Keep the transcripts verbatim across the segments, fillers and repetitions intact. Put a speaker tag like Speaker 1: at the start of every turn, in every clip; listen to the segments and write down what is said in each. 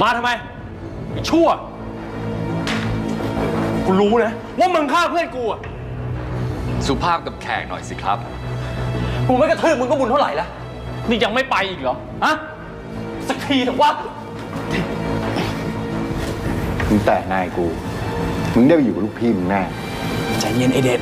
Speaker 1: มาทำไมไอ้ชั่วกูรู้นะว่ามึงฆ่าเพื่อนกูอะ
Speaker 2: สุภาพกับแขกหน่อยสิครับ
Speaker 1: กูไม่กระทืบมึงก็บุญเท่าไหร่แล้วนี่ยังไม่ไปอีกเหรอฮะสักทีเถอะวะ
Speaker 3: มึงแต่นายกูมึงได้ไปอยู่กับลูกพี่มึงแน่
Speaker 1: ใจเย็นไอเด็ด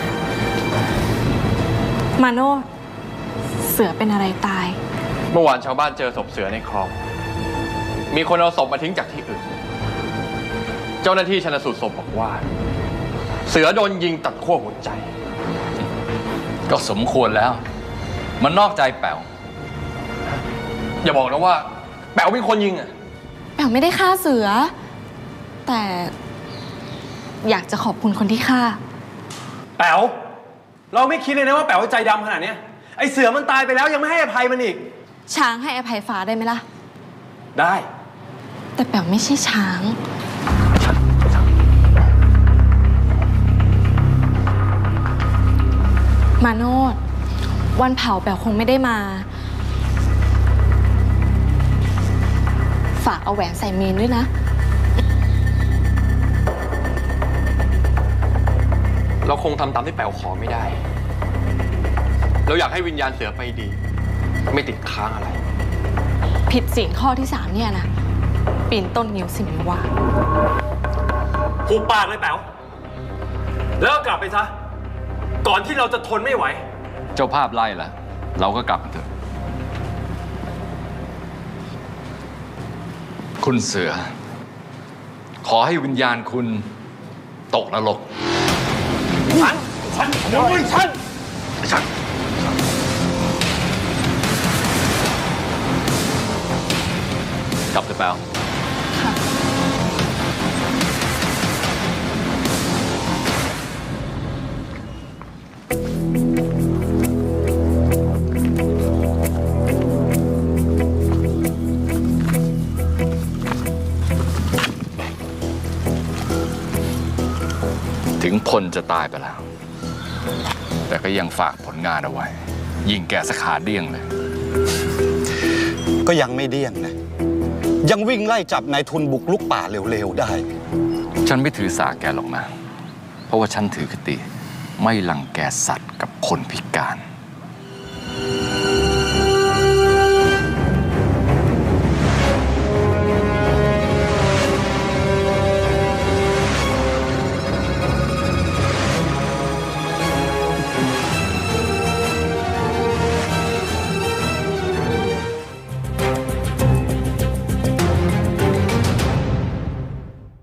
Speaker 4: มาโนดเสือเป็นอะไรตาย
Speaker 2: เมื่อวานชาวบ้านเจอศพเสือในคลองมีคนเอาศพมาทิ้งจากที่อื่นเจ้าหน้าที่ชันสูตรศพบอกว่าเสือโดนยิงตัดขั้วหัวใจก็สมควรแล้วมันนอกใจแป๋วอย่าบอกนะว่าแป๋วเป็นคนยิงอ่ะ
Speaker 4: แป๋วไม่ได้ฆ่าเสือแต่อยากจะขอบคุณคนที่ฆ่า
Speaker 1: แป๋วเราไม่คิดเลยนะว่าแป๋วใจดำขนาดนี้ไอเสือมันตายไปแล้วยังไม่ให้อภัยมันอีก
Speaker 4: ช้างให้อภัยฟ้าได้ไหมล่ะ
Speaker 1: ได้
Speaker 4: แต่แป๋วไม่ใช่ช้างมาโนดวันเผาแป๋วคงไม่ได้มาฝากเอาแหวนใส่เมนด้วยนะ
Speaker 2: เราคงทำตามที่แป๋วขอไม่ได้เราอยากให้วิญญาณเสือไปดีไม่ติดค้างอะไร
Speaker 4: ผิดศีลข้อที่สามเนี่ยนะปีนต้นนิ้วสิมิวา
Speaker 1: ผูกปากเลยแป๋วแล้วก็กลับไปซะก่อนที่เราจะทนไม่ไหว
Speaker 2: เจ้าภาพไล่ละเราก็กลับกันเถอะคุณเสือขอให้วิญญาณคุณตกนรก
Speaker 1: ฉันฉันโอ้ยฉันฉัน
Speaker 2: กลับเถอะแป๋วถึงพลจะตายไปแล้วแต่ก็ยังฝากผลงานเอาไว้ยิงแกสขาเดี้ยงเลย
Speaker 3: ก็ยังไม่เดี้ยงนะยังวิ่งไล่จับนายทุนบุกลุกป่าเร็วๆได้
Speaker 2: ฉันไม่ถือสาแกหรอกนะเพราะว่าฉันถือคติไม่รังแกสัตว์กับคนพิการ